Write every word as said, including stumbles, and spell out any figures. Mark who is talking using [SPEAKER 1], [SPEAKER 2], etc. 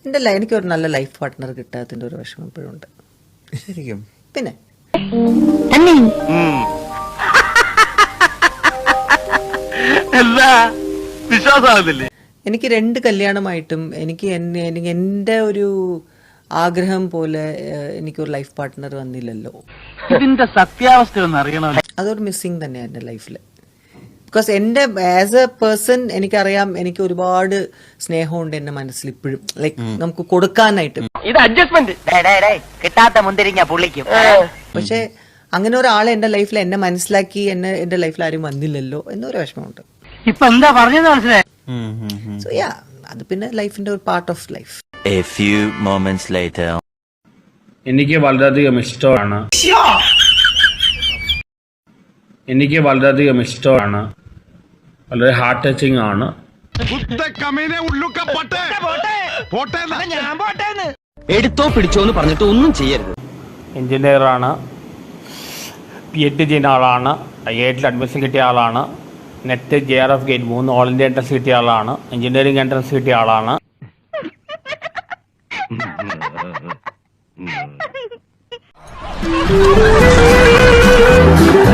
[SPEAKER 1] എൻ്റെ എനിക്ക് ഒരു നല്ല ലൈഫ് പാർട്ട്ണർ കിട്ടാത്തതിൻ്റെ ഒരു വിഷമം ഇപ്പോഴും ഉണ്ട്.
[SPEAKER 2] ശരിക്കും?
[SPEAKER 1] പിന്നെ
[SPEAKER 3] വിശ്വാസമാകുന്നില്ലേ?
[SPEAKER 1] എനിക്ക് രണ്ട് കല്യാണമായിട്ടും എനിക്ക് എനിക്ക് എൻ്റെ ഒരു ആഗ്രഹം പോലെ എനിക്കൊരു ലൈഫ് പാർട്ട്ണർ വന്നില്ലല്ലോ.
[SPEAKER 3] ഇതിന്റെ സത്യാവസ്ഥ ഒന്ന് അറിയണമല്ലോ.
[SPEAKER 1] അതൊരു മിസ്സിങ് തന്നെയാണ് എൻ്റെ ലൈഫിൽ. ബിക്കോസ് എൻ്റെ ആസ് എ പേഴ്സൺ എനിക്കറിയാം എനിക്ക് ഒരുപാട് സ്നേഹമുണ്ട് എൻ്റെ മനസ്സിൽ ഇപ്പോഴും, ലൈക്ക് നമുക്ക് കൊടുക്കാനായിട്ട്.
[SPEAKER 4] ഇത് അഡ്ജസ്റ്റ്മെന്റ് കിട്ടാത്ത മുന്തിരിങ്ങ പുള്ളിക്കും.
[SPEAKER 1] പക്ഷെ അങ്ങനെ ഒരാളെ എൻ്റെ ലൈഫിൽ എന്നെ മനസ്സിലാക്കി എന്നെ എൻ്റെ ലൈഫിൽ ആരും വന്നില്ലല്ലോ എന്നൊരു വിഷമമുണ്ട്.
[SPEAKER 4] ഇപ്പൊ എന്താ പറഞ്ഞത് മനസ്സിലായി?
[SPEAKER 1] സോ യാ, അത് പിന്നെ ലൈഫിന്റെ ഒരു part of life.
[SPEAKER 5] A few moments later.
[SPEAKER 6] എനിക്ക് വളരെയധികം ഇഷ്ടമാണ് എനിക്ക് വളരെയധികം ഇഷ്ടമാണ് വളരെ ഹാർട്ട് ടച്ചിങ് ആണ്.
[SPEAKER 4] എടുത്തോ പിടിച്ചോ എന്ന് പറഞ്ഞിട്ട് ഒന്നും ചെയ്യരുത്.
[SPEAKER 6] എഞ്ചിനീയറാണ്, പി എച്ച് ഡി ചെയ്യുന്ന ആളാണ്, ഐ ഐ ടിയിൽ അഡ്മിഷൻ കിട്ടിയ ആളാണ്, NET J R F GATE മൂന്ന് ഓൾ ഇന്ത്യ എൻട്രൻസ് കിട്ടിയ ആളാണ്, എഞ്ചിനീയറിംഗ് എൻട്രൻസ് കിട്ടിയ ആളാണ്.
[SPEAKER 5] Mm-hmm.